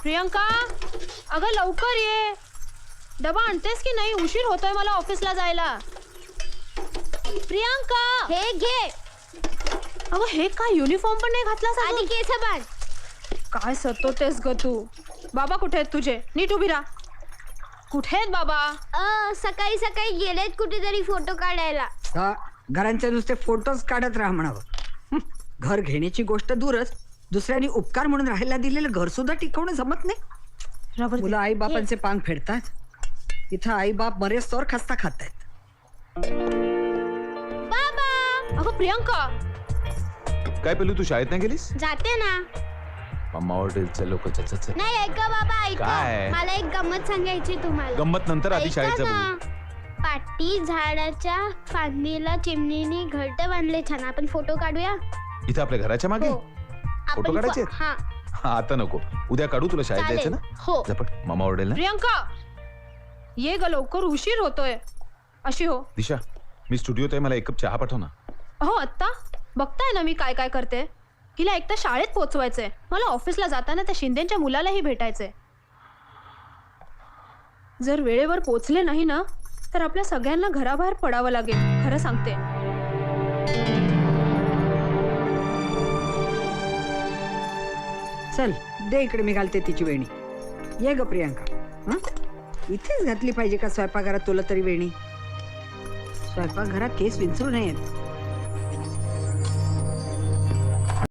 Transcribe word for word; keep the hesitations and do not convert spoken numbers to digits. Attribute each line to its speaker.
Speaker 1: प्रियंका, अगं लवकर ये. डबा आणतेस की नाही? उशीर होतोय मला ऑफिसला जायला. प्रियंका,
Speaker 2: हे घे.
Speaker 1: अगं हे काय, युनिफॉर्म पण नाही घातलास
Speaker 2: आधी
Speaker 1: अजून?
Speaker 2: केस बांध.
Speaker 1: काय सतवतेस ग तू? बाबा कुठे आहेत तुझे? नीट उभी राहा. कुठे आहेत बाबा?
Speaker 2: अ, सकाळी सकाळी गेलेत कुठेतरी फोटो काढायला.
Speaker 3: हा, घरांचे नुसते फोटोज काढत राहा म्हणावं. हं, घर घेण्याची गोष्ट दूरच, दुसऱ्यांनी उपकार म्हणून राहायला दिलेलं घर सुद्धा टिकवणं जमत नाही.
Speaker 1: रबर दे.
Speaker 3: मुलं आई बापांचे पांग फेडतात, इथं आई बाप बरेच खस्ता खातायत.
Speaker 2: बाबा,
Speaker 1: अगं प्रियंका,
Speaker 4: काय पेलू, तू शाळेत नाही गेलीस?
Speaker 2: जाते ना.
Speaker 4: मम्मा ऑर्डर चलो को चल चल.
Speaker 2: नाही ऐका बाबा, ऐका.
Speaker 4: काय?
Speaker 2: मला एक गंमत सांगायची तुम्हाला.
Speaker 4: गंमत नंतर, आधी
Speaker 2: ऐका
Speaker 4: शाळेत जा
Speaker 2: ना.
Speaker 4: बोलू.
Speaker 2: पाटी झाडाच्या फांदीला चिमणीने घरट बांधले छान. आपण फोटो काढूया.
Speaker 4: इथं आपल्या घराच्या मागे
Speaker 2: हो.
Speaker 4: फोटो
Speaker 2: आपण
Speaker 4: काढायचे?
Speaker 2: फो- हा,
Speaker 4: हा, आता नको, उद्या काढू. तुला शाळेत
Speaker 2: चालेल.
Speaker 4: जायचं ना?
Speaker 2: हो.
Speaker 4: झपट, मामा ऑर्डर ना.
Speaker 1: प्रियंका ये ग लवकर, उशीर होतोय. अशी हो.
Speaker 4: दिशा, मी स्टुडिओत आहे, मला एक कप चहा पाठव ना.
Speaker 1: हो आत्ता बघताय ना मी काय काय करते. हिला एक तर शाळेत पोहोचवायचंय, मला ऑफिसला जाताना त्या शिंदेच्या मुलालाही भेटायचंय. जर वेळेवर पोचले नाही ना तर आपल्या सगळ्यांना घराबाहेर पडावं लागेल, खरं सांगते.
Speaker 3: चल दे इकडे, मी घालते तिची वेणी. ये ग प्रियंका. हं, इथेच घातली पाहिजे का स्वयंपाकघरात तुला तरी वेणी? स्वयंपाकघरात केस विंचरू नयेत.